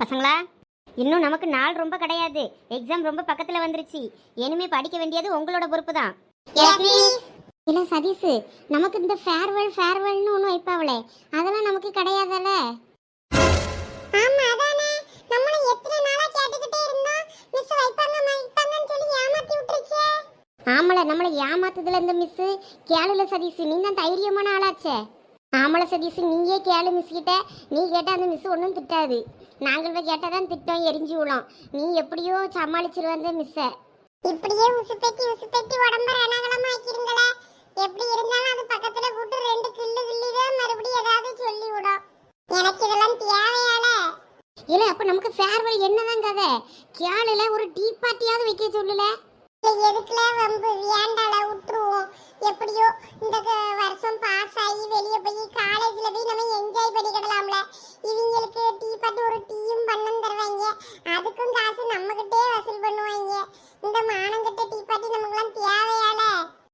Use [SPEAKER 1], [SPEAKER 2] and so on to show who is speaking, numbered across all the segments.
[SPEAKER 1] பசங்களா, இன்னும் நமக்கு நாள் ரொம்ப கிடையாது. எக்ஸாம் ரொம்ப பக்கத்துல வந்துருச்சு. இனிமே படிக்க வேண்டியது உங்களோட பொறுப்பு தான். இல்ல சதீஷ், நமக்கு இந்த ஃபேர்வெல்னு ஒன்று வைப்பாவளே, அதெல்லாம் நமக்கு கிடையாதுல்ல.
[SPEAKER 2] ஆமா அதானே, நம்மள எத்தனை நாளா கேட்டுக்கிட்டே இருந்தோம். மிஸ் வைப்பாங்கன்னு சொல்லி ஏமாத்தி விட்டுருச்சே.
[SPEAKER 1] ஆமல, நம்மளை ஏமாத்துதுல இந்த மிஸ். கேளுல சதீஷ், நீ தான் தைரியமான ஆளாச்சே. ஆமல சதீஷ், நீயே கேளு மிஸ் கிட்ட. நீ கேட்டால் அந்த மிஸ் ஒன்றும் திட்டாது. நாங்கள் போய் கேட்டால் தான் திட்டம், எரிஞ்சு விழும். நீ எப்படியோ சமாளிச்சிருவ அந்த மிஸ்ஸை.
[SPEAKER 2] இப்படியே உசுப்பேத்தி உடம்ப ரணகலமா ஆக்கிருங்களே. எப்படி இருந்தாலும் அது பக்கத்துல கூட்டு ரெண்டு கிள்ளிதான் மறுபடியும் ஏதாவது சொல்லி விடும். எனக்கு இதெல்லாம் தேவையால.
[SPEAKER 1] இல்லை, அப்போ நமக்கு ஃபேர்வெல் என்னதான் கதை? கேளுல ஒரு டீ பார்ட்டியாவது வைக்க சொல்லல.
[SPEAKER 2] எதுக்குல வம்பு, வேண்டால விட்டுருவோம். எப்படியோ இந்த வருஷம் பாஸ் ஆகி வெளியே போய் காலேஜ்ல போய் நம்ம என்ஜாய் பண்ணிக்கிடலாம்ல. இவங்களுக்கு டீ பார்ட்டி ஒரு டீயும் பண்ணம் தருவாங்க. அதுக்கும் காசு நம்ம கிட்டே வசூல் பண்ணுவாங்க. இந்த மானங்கிட்ட டீ பார்ட்டி நமக்குலாம் தேவையால.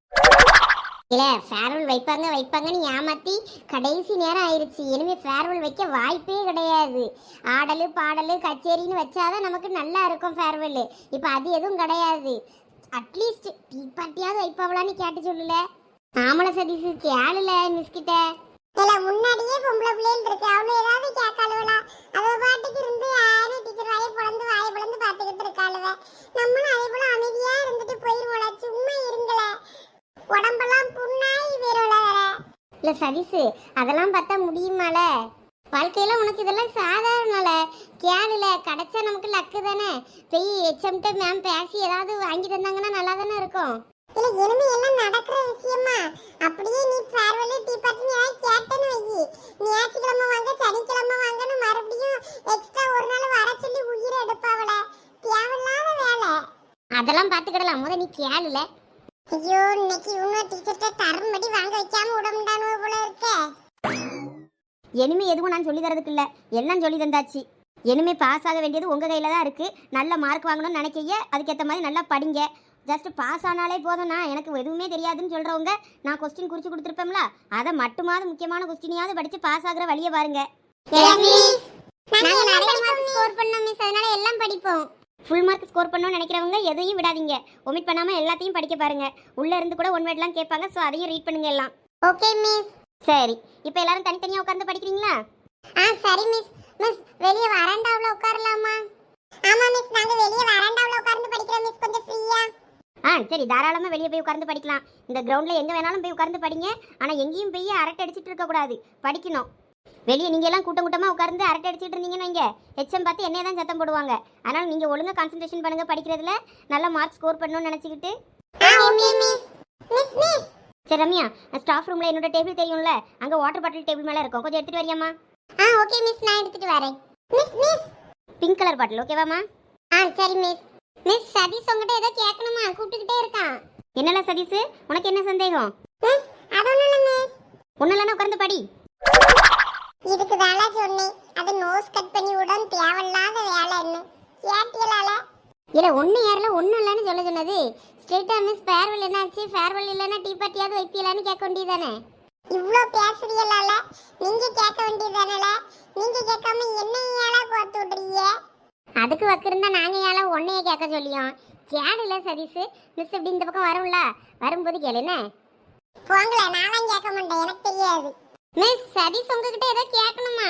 [SPEAKER 1] இல்லை, ஃபேர்வெல் வைப்பாங்கன்னு ஏமாற்றி கடைசி நேரம் ஆயிடுச்சு. இனிமேல் ஃபேர்வெல் வைக்க வாய்ப்பே கிடையாது. ஆடல் பாடல் கச்சேரின்னு வச்சாதான் நமக்கு நல்லா இருக்கும் ஃபேர்வெல். இப்போ அது எதுவும் கிடையாது. அட்லீஸ்ட் டீ பார்ட்டியாவது வைப்பாவலான்னு கேட்டு சொல்லல. ஆமல சதீஷ், கேளுல மிஸ்கிட்ட.
[SPEAKER 2] இல்ல முன்னாடியே பொம்பளை பிள்ளைகள் இருக்கு, அவனு ஏதாவது கேட்காளுவலா? அவ பாட்டுக்கு இருந்து யாரும் டீச்சர் வாயை பிளந்து பார்த்துக்கிட்டு இருக்காளுவ. நம்மளும் அதே போல அமைதியா இருந்துட்டு போயிருவோல. சும்மா இருங்கள, உடம்பெல்லாம் புண்ணாய் வேறோல வேற.
[SPEAKER 1] இல்லை சதீஷ், அதெல்லாம் பார்த்தா முடியுமால? வாழ்க்கையில உனக்கு இதெல்லாம் சாதாரணல. கேளுல கிடைச்சா நமக்கு லக்கு தானே. போய் ஹெச்எம்கிட்ட மேம் பேசி ஏதாவது வாங்கி தந்தாங்கன்னா நல்லா தானே இருக்கும்.
[SPEAKER 2] இல்ல இனிமே எல்லாம் நடக்கிற விஷயமா? அப்படியே நீ ஃபேர்வெல் டீ பார்ட்டி ஏதாவது கேட்டேன்னு வை, ஞாயிற்றுக்கிழமை வாங்க சனிக்கிழமை வாங்கன்னு மறுபடியும் எக்ஸ்ட்ரா ஒரு நாள் வர சொல்லி உயிரை எடுப்பாவல. தேவையில்லாத வேலை.
[SPEAKER 1] அதெல்லாம் பார்த்துக்கிடலாம், முத நீ கேளுல.
[SPEAKER 2] ஐயோ, இன்னைக்கு இன்னும் டீச்சர்கிட்ட தரும்படி வாங்க வைக்காம விட முடியானு போல இருக்கே.
[SPEAKER 1] இனிமே எதுவும் நான் சொல்லி தரதுக்கு இல்லை, எல்லாம் சொல்லி தந்தாச்சு. இனிமே பாஸ் ஆக வேண்டியது உங்கள் கையில் தான் இருக்குது. நல்ல மார்க் வாங்கணும்னு நினைக்கைய அதுக்கேற்ற மாதிரி நல்லா படிங்க. ஜஸ்ட் பாஸ் ஆனாலே போதும்னா, எனக்கு எதுவுமே தெரியாதுன்னு சொல்கிறவங்க நான் கொஸ்டின் குறித்து கொடுத்துருப்பேன்ல, அதை மட்டுமாவது முக்கியமான கொஸ்டினையாவது படித்து பாஸ் ஆகிற வழியை பாருங்க.
[SPEAKER 2] நாங்கள் நிறைய மார்க் ஸ்கோர் பண்ணோம் மிஸ், அதனால எல்லாம் படிப்போம்.
[SPEAKER 1] ஃபுல் மார்க் ஸ்கோர் பண்ணணும்னு நினைக்கிறவங்க எதையும் விடாதீங்க. ஒமிட் பண்ணாமல் எல்லாத்தையும் படிக்க பாருங்க. உள்ளே இருந்து கூட ஒன் வேர்ட்லாம் கேட்பாங்க, ஸோ அதையும் ரீட் பண்ணுங்க எல்லாம்.
[SPEAKER 2] Okay miss.
[SPEAKER 1] சரி, இப்போ எல்லாரும் தனித்தனியாக உட்காந்து படிக்கிறீங்களா?
[SPEAKER 2] சரி மிஸ். மிஸ் வெளியே வராண்டாவுல உட்காரலாமா? ஆமா மிஸ், நாங்க வெளியே வராண்டாவுல உட்கார்ந்து படிக்கிறோம் மிஸ், கொஞ்சம் ஃப்ரீயா.
[SPEAKER 1] சரி, தாராளமாக வெளியே போய் உட்கார்ந்து படிக்கலாம். இந்த கிரவுண்டில் எங்கே வேணாலும் போய் உட்கார்ந்து படிங்க. ஆனால் எங்கேயும் போய் அரட்டை அடிச்சிட்டு இருக்கக்கூடாது, படிக்கணும். வெளியே நீங்கள் எல்லாம் கூட்டமாக உட்கார்ந்து அரட்டை அடிச்சிட்டு இருந்தீங்கன்னு வைங்க, ஹெச்எம் பார்த்து என்னைய தான் சத்தம் போடுவாங்க. அதனால் நீங்கள் ஒழுங்காக கான்சன்ட்ரேஷன் பண்ணுங்கள் படிக்கிறதுல. நல்லா மார்க் ஸ்கோர் பண்ணணும்னு நினச்சிக்கிட்டு.
[SPEAKER 2] Okay miss. Miss miss.
[SPEAKER 1] சரி ரம்யா, ஸ்டாஃப் ரூமில் என்னோட டேபிள் தெரியும்ல, அங்கே வாட்டர் பாட்டில் டேபிள் மேலே இருக்கும், கொஞ்சம் எடுத்துகிட்டு வரியாம்மா?
[SPEAKER 2] ஓகே மிஸ், நான் எடுத்துட்டு வரேன். Miss miss.
[SPEAKER 1] Pink colour bottle ஓகேவாம்மா?
[SPEAKER 2] சரி மிஸ். மிஸ் சதீஷ் உங்ககிட்ட ஏதோ கேட்கணுமா? கூப்பிட்டுக்கிட்டே இருக்கான்.
[SPEAKER 1] என்னல சதீஷ், உனக்கு என்ன சந்தேகம்?
[SPEAKER 2] மிஸ் அது ஒண்ணும் இல்ல மிஸ்.
[SPEAKER 1] ஒன்னும் உட்கார்ந்து படி.
[SPEAKER 2] இதுக்கு தானே சொன்னேன், அது நோஸ் கட் பண்ணி விடான் தேவையில்லாத வேலைன்னு. கேட்டியலால?
[SPEAKER 1] இல்லை ஒன்று யாரில் ஒன்றும் இல்லைன்னு சொல்ல சொன்னது. ஸ்ட்ரெயிட்டாக மிஸ் ஃபேர்வெல் என்னாச்சு, ஃபேர்வெல் இல்லைன்னா டீ பார்ட்டியாவது வைப்பியலான்னு கேட்க வேண்டியதானே?
[SPEAKER 2] இவ்ளோ பேசுறீங்களால, நீங்க கேட்க வேண்டியதானல? நீங்க கேட்காம என்னையால கோத்து விடுறீங்க?
[SPEAKER 1] அதுக்கு வக்கிருந்தா நாங்கள் ஏழை ஒன்றையே கேட்க சொல்லியோம். கேளுல சதீஷ், மிஸ் இப்படி இந்த பக்கம் வரும்ல, வரும்போது கேளுன்னு.
[SPEAKER 2] போங்களே, நானும் கேட்க மாட்டேன், எனக்கு தெரியாது.
[SPEAKER 1] மிஸ் சதீஷ் உங்ககிட்ட ஏதோ கேட்கணுமா?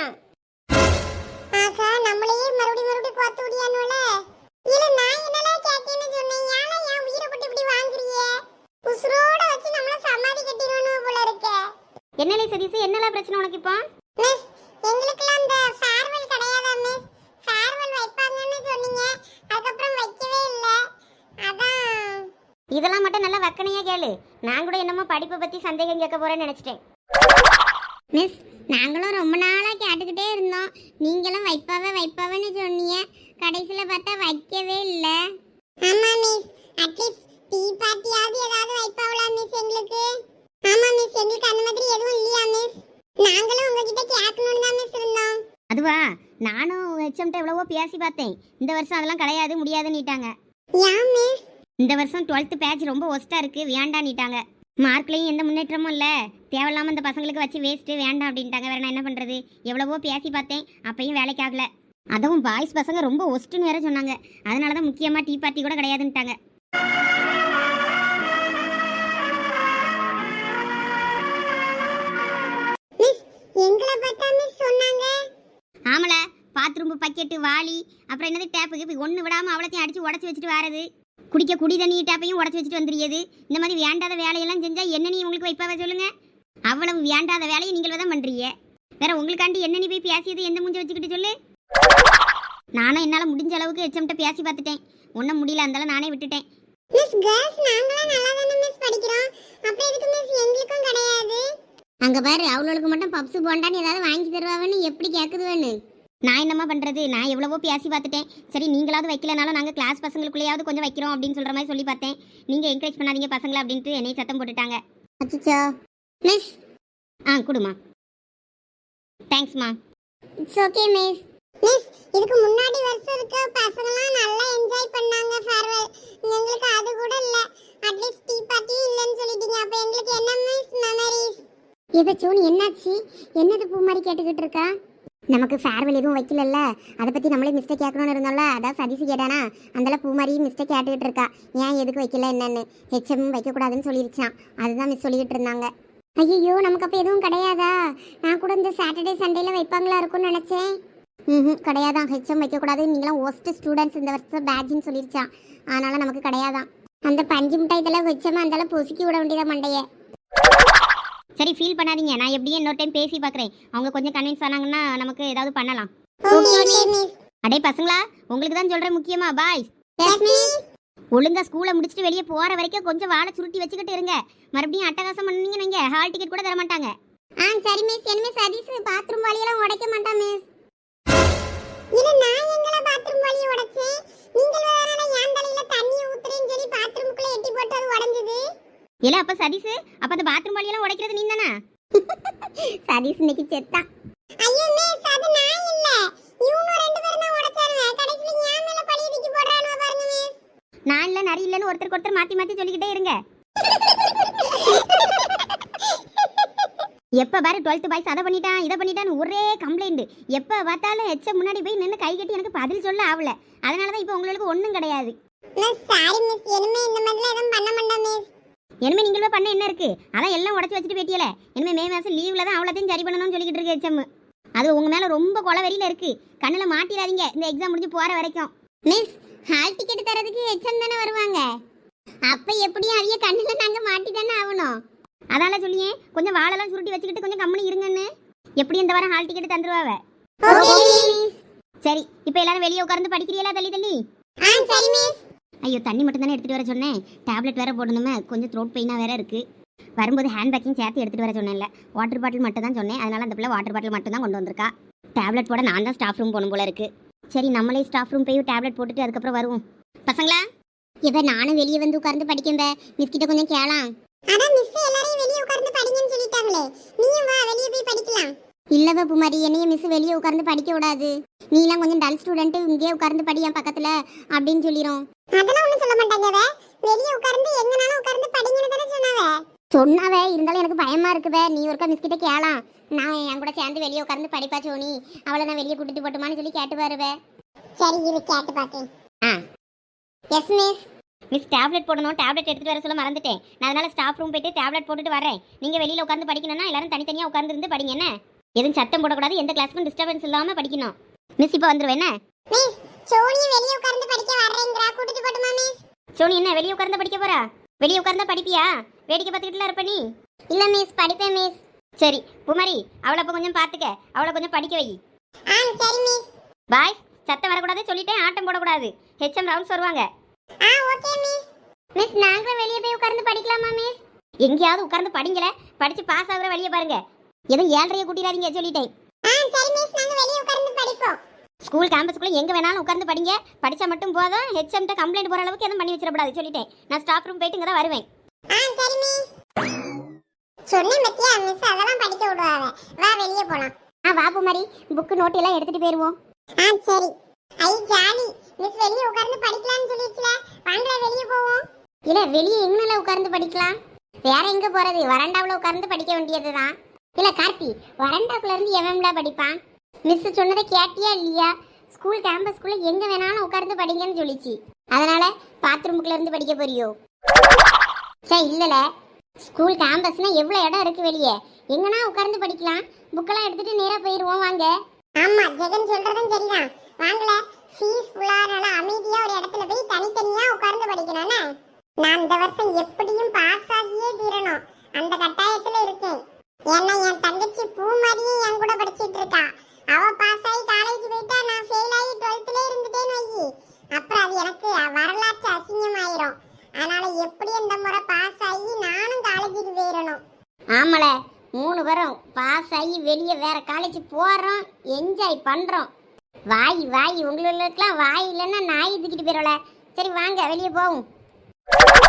[SPEAKER 2] ஆகா, நம்மளையே மறுபடியும் கோத்து விடியானுல. இல்ல நான் என்னலாம் கேட்கேன்னு சொன்னேன், ஏன்னா என் உயிரை பட்டு இப்படி வாங்குறீங்க? உசுரோட வச்சு நம்மள சமாதி கட்டிடுவானு போல இருக்க.
[SPEAKER 1] என்னலே சதீஷ், என்னலாம் பிரச்சனை உனக்கு இப்போ?
[SPEAKER 2] மிஸ் எங்களுக்குலாம் அந்த ஃபேர்வெல் கிடையாதா மிஸ்? ஃபேர்வெல் வைப்பாங்கன்னு சொன்னீங்க, அதுக்கப்புறம் வைக்கவே இல்லை. அதான்.
[SPEAKER 1] இதெல்லாம் மட்டும் நல்லா வக்கனையா கேளு. நான் கூட என்னமோ படிப்பை பற்றி சந்தேகம் கேட்க போகிறேன்னு நினச்சிட்டேன். மிஸ், நாங்களும் ரொம்ப நாளாக கேட்டுக்கிட்டே இருந்தோம். நீங்களும் வைப்பாவேன்னு சொன்னீங்க. கடைசியில் பார்த்தா வைக்கவே இல்லை.
[SPEAKER 2] ஆமா மிஸ், அட்லீஸ்ட் டீ பார்ட்டியாவது ஏதாவது வைப்பாவளா மிஸ் எங்களுக்கு? ஆமா மிஸ், எங்களுக்கு அந்த மாதிரி எதுவும் இல்லையா மிஸ்? நாங்களும் உங்ககிட்ட கேட்கணும்னு தான் மிஸ் இருந்தோம்.
[SPEAKER 1] அதுவா, நானும் ஹெச்எம்கிட்ட எவ்வளவோ பேசி பார்த்தேன். இந்த வருஷம் அதெல்லாம் கிடையாது, முடியாதுன்னுட்டாங்க.
[SPEAKER 2] ஏன் மிஸ்?
[SPEAKER 1] இந்த வருஷம் 12th பேட்ச் ரொம்ப ஒஸ்ட்டாக இருக்குது, வேண்டான்னுட்டாங்க. மார்க்லேயும் எந்த முன்னேற்றமும் இல்லை, தேவையில்லாமல் இந்த பசங்களுக்கு வச்சு வேஸ்ட்டு, வேண்டாம் அப்படின்ட்டாங்க. வேறு நான் என்ன பண்ணுறது? எவ்வளவோ பேசி பார்த்தேன், அப்பையும் வேலைக்கு ஆகலை. அதுவும் பாய்ஸ் பசங்க ரொம்ப ஒஸ்ட்டுன்னு வேற சொன்னாங்க. அதனால தான் முக்கியமாக டீ பார்ட்டி கூட கிடையாதுன்ட்டாங்க.
[SPEAKER 2] மிஸ் எங்களை பார்த்தா மிஸ் சொன்னாங்க.
[SPEAKER 1] ஆமல பாத்ரூம் பக்கெட்டு வாளி அப்புறம் என்னது டேப்புக்கு இப்போ ஒன்று விடாமல் அவ்வளோத்தையும் அடித்து உடச்சி வச்சுட்டு வரது. குடிக்க குடி தண்ணி டேப்பையும் உடச்சி வச்சுட்டு வந்துடுது. இந்த மாதிரி வேண்டாத வேலையெல்லாம் செஞ்சால் என்ன நீ உங்களுக்கு வைப்பாவே சொல்லுங்கள். அவ்வளவு வேண்டாத வேலையை நீங்கள் தான் பண்ணுறீங்க. வேற உங்களுக்காண்டி என்ன நீ போய் பேசியது எந்த மூஞ்ச வச்சுக்கிட்டு சொல்லு. நானும் என்னால் முடிஞ்ச அளவுக்கு எச்சம்கிட்ட பேசி பார்த்துட்டேன். ஒன்றும் முடியல, அந்தாலும் நானே விட்டுட்டேன்.
[SPEAKER 2] மிஸ் கேர்ள்ஸ் நாங்களாம் நல்லா தானே மிஸ் படிக்கிறோம். அப்புறம் எதுக்கு மிஸ் எங்களுக்கும் கிடையாது?
[SPEAKER 1] அங்கே பாரு அவளுக்கு மட்டும் பப்ஸு போண்டான்னு ஏதாவது வாங்கி தருவாங்கன்னு எப்படி கேட்குதுவேன்னு. நான் என்னம்மா பண்ணுறது, நான் எவ்வளவோ பேசி பார்த்துட்டேன். சரி நீங்களாவது வைக்கலனாலும் நாங்கள் கிளாஸ் பசங்களுக்குள்ளேயாவது கொஞ்சம் வைக்கிறோம் அப்படின்னு சொல்கிற மாதிரி சொல்லி பார்த்தேன். நீங்கள் என்கரேஜ் பண்ணாதீங்க பசங்களை அப்படின்ட்டு என்னை சத்தம் போட்டுட்டாங்க. அச்சோ மிஸ். கொடுமா. தேங்க்ஸ்மா.
[SPEAKER 2] It's okay miss. மிஸ் இதுக்கு முன்னாடி வருஷம் இருக்க பசங்கலாம் நல்லா என்ஜாய் பண்ணாங்க ஃபேர்வெல். எங்களுக்கு அது கூட இல்ல. அட்லீஸ்ட் டீ பார்ட்டி இல்லன்னு சொல்லிட்டீங்க. அப்ப எங்களுக்கு என்ன மிஸ் மெமரிஸ்?
[SPEAKER 1] இதை சோனி என்னாச்சு? என்னது பூ மாதிரி கேட்டுக்கிட்டு இருக்கா? நமக்கு ஃபேர்வெல் எதுவும் வைக்கலல்ல, அதை பற்றி நம்மளே மிஸ்டேக் கேட்கணும்னு இருந்தோம்ல. அதான் சதீஷ் கேட்டானா, அந்தளவு பூ மாதிரி மிஸ்டேக் கேட்டுக்கிட்டு இருக்கா. ஏன் எதுக்கு வைக்கல என்னன்னு. ஹெச்எம் வைக்கக்கூடாதுன்னு சொல்லிருச்சான். அதுதான் மிஸ் சொல்லிக்கிட்டு இருந்தாங்க. ஐயோ நமக்கு அப்போ எதுவும் கிடையாதா? நான் கூட இந்த சாட்டர்டே சண்டேல வைப்பாங்களா இருக்கும்னு நினச்சேன். கிடையாதான். ஹெச்எம் வைக்கக்கூடாது, நீங்களாம் ஒஸ்ட் ஸ்டூடெண்ட்ஸ் இந்த வருஷம் பேட்ஜின்னு சொல்லிருச்சான். அதனால நமக்கு கிடையாதான். அந்த பஞ்சு மிட்டாய் இதெல்லாம் வச்சோமா அந்தளவு பொசுக்கி விட வேண்டியதான் மண்டையே. சரி ஃபீல் பண்ணாதீங்க, நான் எப்படியும் இன்னொரு டைம் பேசி பார்க்குறேன். அவங்க கொஞ்சம் கன்வின்ஸ் ஆனாங்கன்னா நமக்கு ஏதாவது பண்ணலாம். அடே பசங்களா, உங்களுக்கு தான் சொல்கிறேன் முக்கியமா. பாய்ஸ் ஒழுங்கா ஸ்கூலை முடிச்சுட்டு வெளியே போகிற வரைக்கும் கொஞ்சம் வாழை சுருட்டி வச்சுக்கிட்டு இருங்க. மறுபடியும் அட்டகாசம் பண்ணீங்க நீங்கள் ஹால் டிக்கெட் கூட தர மாட்டாங்க.
[SPEAKER 2] சரி மிஸ். என்ன மிஸ் சதீஷ் பாத்ரூம் வாளியெல்லாம் உடைக்க மாட்டான் மிஸ். இல்ல நான் எங்கல பாத்ரூம் வாளிய உடைச்சேன். நீங்கள் வேற ஏன் தலையில தண்ணி ஊத்துறேன்னு சொல்லி பாத்ரூமுக்குள்ள எட்டி போட்டு அது உடைஞ்சது.
[SPEAKER 1] இல்ல அப்ப சதீஷ், அப்ப அந்த பாத்ரூம் வாளியெல்லாம் உடைக்கிறது நீ தானா? சதீஷ் இன்னைக்கு செத்தான்.
[SPEAKER 2] ஐயோ மிஸ் அது நான் இல்ல. இவங்க ரெண்டு பேரும் தான் உடைச்சாங்க. கடைசில ஏன் மேல பழிய தூக்கி போடுறானோ பாருங்க மிஸ்.
[SPEAKER 1] நான் இல்ல நரி இல்லன்னு ஒருத்தருக்கு ஒருத்தர் மாத்தி மாத்தி சொல்லிக்கிட்டே இருங்க. எப்ப பாரு 12th பாய்ஸ் அதை பண்ணிட்டான் இதை பண்ணிட்டான்னு ஒரே கம்ப்ளைண்ட். எப்ப பார்த்தாலும் எச்ச முன்னாடி போய் நின்று கை கட்டி எனக்கு பதில் சொல்ல ஆகல. அதனாலதான் இப்ப உங்களுக்கு ஒண்ணும் கிடையாது.
[SPEAKER 2] Miss sorry miss. இனிமே இந்த மாதிரிலாம் எதுவும் பண்ண மாட்டேன் மிஸ்.
[SPEAKER 1] இனிமே நீங்களும் பண்ண என்ன இருக்கு? அதான் எல்லாம் உடச்சி வச்சுட்டு போயிட்டியல. இனிமே மே மாசம் லீவ்ல தான் அவ்வளோத்தையும் சரி பண்ணணும்னு சொல்லிக்கிட்டு இருக்கு எச்சம். அது உங்க மேல ரொம்ப கொலவெறியில இருக்கு. கண்ணில் மாட்டிடாதீங்க இந்த எக்ஸாம் முடிஞ்சு போற வரைக்கும். மிஸ் ஹால் டிக்கெட் தரதுக்கு எச்சம் தானே வருவாங்க. அப்ப எப்படியும் அவிய கண்ணில் நாங்க மாட்டி தானே ஆகணும். அதனால சொல்லியே கொஞ்சம் வாழெல்லாம் சுருட்டி வச்சுக்கிட்டு கொஞ்சம் கம்மனி இருங்கன்னு. எப்படி இந்த வாரம் ஹால் டிக்கெட் தந்துருவாவ. சரி இப்போ எல்லாரும் வெளியே உட்கார்ந்து படிக்கிறீங்களா தள்ளி தள்ளி?
[SPEAKER 2] சரி மிஸ்.
[SPEAKER 1] ஐயோ தண்ணி மட்டும் தானே எடுத்துகிட்டு வர சொன்னேன். டேப்லெட் வேறு போடணுமே, கொஞ்சம் த்ரோட் பெயினாக வேறு இருக்குது. வரும்போது ஹேண்ட் பேக்கிங் சேர்த்து எடுத்துகிட்டு வர சொன்னேன்ல. வாட்டர் பாட்டில் மட்டும் தான் சொன்னேன். அதனால் அந்த பிள்ளை வாட்டர் பாட்டில் மட்டும் தான் கொண்டு வந்திருக்கா. டேப்லெட் போட நான் தான் ஸ்டாஃப் ரூம் போகணும் போல இருக்குது. சரி நம்மளே ஸ்டாஃப் ரூம் போய் டேப்லெட் போட்டுட்டு அதுக்கப்புறம் வருவோம். பசங்களா இப்போ நானும் வெளியே வந்து உட்கார்ந்து படிக்கேன். மிஸ் கிட்ட கொஞ்சம் கேளாம்.
[SPEAKER 2] அதான் மிஸ் எல்லாரையும் வெளிய உட்கார்ந்து படிங்கன்னு சொல்லிட்டாங்களே. நீயும் வா வெளிய போய் படிக்கலாம்.
[SPEAKER 1] இல்லவே புமாரி, என்னைய மிஸ் வெளியே உட்கார்ந்து படிக்க விடாது. நீலாம் கொஞ்சம் டல் ஸ்டூடெண்ட், இங்கே உட்கார்ந்து படி என் பக்கத்தில் அப்படின்னு சொல்லிடும்.
[SPEAKER 2] அதெல்லாம் ஒன்றும் சொல்ல மாட்டாங்க. வெளிய உட்கார்ந்து எங்கனாலும் உட்கார்ந்து படிங்கன்னு தானே
[SPEAKER 1] சொன்னாவே. இருந்தாலும் எனக்கு பயமா இருக்குவே. நீ ஒருக்கா மிஸ் கிட்ட கேளாம். நான் என் கூட சேர்ந்து வெளியே உட்கார்ந்து படிப்பா சோனி. அவளை நான் வெளியே கூட்டிட்டு போட்டுமான்னு சொல்லி கேட்டு வருவே.
[SPEAKER 2] சரி இரு கேட்டு பார்த்தேன்.
[SPEAKER 1] Yes miss. மிஸ் டேப்லெட் போடணும், டேப்லெட் எடுத்துட்டு வர சொல்ல மறந்துட்டேன். நான் அதனால ஸ்டாஃப் ரூம் போயிட்டு டேப்லெட் போட்டுட்டு வரேன். நீங்க வெளியில உட்கார்ந்து படிக்கணும்னா எல்லாரும் தனித்தனியா உட்கார்ந்து இருந்து படிங்க. என்ன எதுவும் சத்தம் போடக்கூடாது, எந்த கிளாஸ்க்கும் டிஸ்டர்பன்ஸ் இல்லாம படிக்கணும். மிஸ் இப்போ வந்துருவேன். என்ன
[SPEAKER 2] மிஸ் சோனி வெளிய உட்கார்ந்து படிக்க வரேங்கறா, கூட்டிட்டு போட்டுமா மிஸ்?
[SPEAKER 1] சோனி என்ன வெளியே உட்கார்ந்து படிக்க போறா? வெளியே உட்கார்ந்தா படிப்பியா? வேடிக்கை பார்த்துக்கிட்டுலாம் இருப்ப நீ?
[SPEAKER 2] இல்ல மிஸ் படிப்பேன் மிஸ்.
[SPEAKER 1] சரி புமாரி, அவளை அப்போ கொஞ்சம் பார்த்துக்க, அவளை கொஞ்சம் படிக்க வை.
[SPEAKER 2] சரி மிஸ்.
[SPEAKER 1] பாய் சத்தம் வரக்கூடாது சொல்லிட்டேன். ஆட்டம் போடக்கூடாது. ஹெச்எம் ரவுண்ட்ஸ் வருவாங்க.
[SPEAKER 2] Okay miss.
[SPEAKER 1] மிஸ் நாங்களும் வெளியே போய் உட்கார்ந்து படிக்கலாமா மிஸ்? எங்கேயாவது உட்கார்ந்து படிங்களே, படிச்சு பாஸ் ஆகுற வழியை பாருங்க. எதுவும் 7:30 கூட்டிடாதீங்க சொல்லிட்டேன்.
[SPEAKER 2] சரி மிஸ் நாங்க வெளிய உட்கார்ந்து படிப்போம்.
[SPEAKER 1] ஸ்கூல் கேம்பஸ்க்குள்ள எங்க வேணாலும் உட்கார்ந்து படிங்க. படிச்சா மட்டும் போதும். ஹெச்எம்ட்ட கம்ப்ளைண்ட் போற அளவுக்கு எதுவும் பண்ணி வச்சிடக்கூடாது சொல்லிட்டேன். நான் ஸ்டாஃப் ரூம் போயிட்டு இங்க தான் வருவேன்.
[SPEAKER 2] சரி மிஸ். சொன்னேன் பத்தியா மிஸ் அதெல்லாம் படிக்க விடுவாங்க. வா வெளிய போலாம்.
[SPEAKER 1] வா புமாரி, புக் நோட் எல்லாம் எடுத்துட்டு போயிருவோம்.
[SPEAKER 2] சரி. ஐ ஜாலி. மிஸ் வெளிய உட்கார்ந்து படிக்கலாம்னு சொல்லிச்சுல. வாங்க வெளிய போவோம்.
[SPEAKER 1] இல்ல வெளியே எங்கனால உட்கார்ந்து படிக்கலாம்? வேற எங்க போறது? வராண்டாவுல உட்கார்ந்து படிக்க வேண்டியதுதான். இல்ல கார்த்தி, வராண்டாக்குள்ள இருந்து எவன்டா படிப்பான்? மிஸ் சொன்னதை கேட்டியா இல்லையா? ஸ்கூல் கேம்பஸ்குள்ள எங்க வேணாலும் உட்கார்ந்து படிங்கன்னு சொல்லிச்சு. அதனால பாத்ரூமுக்குள்ள இருந்து படிக்க போறியோ? சே இல்லல, ஸ்கூல் கேம்பஸ்னா எவ்வளவு இடம் இருக்கு வெளியே, எங்கனா உட்கார்ந்து படிக்கலாம். புக்கெல்லாம் எடுத்துட்டு நேரா போயிருவோம் வாங்க.
[SPEAKER 2] ஆமா ஜெகன் சொல்றதும் சரிதான். வாங்கல ஃபீஸ் ஃபுல்லானால அமைதியா ஒரு இடத்துல போய் தனித்தனியா உட்கார்ந்து படிக்கணும்னே. நான் இந்த வருஷம் எப்படியும் பாஸ் ஆகியே தீரணும் அந்த கட்டாயத்துல இருக்கேன். ஏன்னா என் தங்கச்சி பூ மாதிரியே என் கூட படிச்சிட்டு இருக்கா. அவ பாஸ் ஆகி காலேஜ் போயிட்டா, நான் ஃபெயில் ஆகி 12th இருந்துட்டேன்னு வை, அப்புறம் அது எனக்கு வரலாற்று அசிங்கம் ஆயிரும். அதனால எப்படி இந்த முறை பாஸ் ஆகி நானும் காலேஜுக்கு போயிடணும்.
[SPEAKER 1] ஆமல 3 வரும் பாஸ் ஆகி வெளியே வேற காலேஜ் போறோம், என்ஜாய் பண்றோம். வாய் வாய், உங்களுக்கெல்லாம் வாய் இல்லைன்னா நாய் தூக்கிட்டு போயிடல. சரி வாங்க வெளியே போவோம்.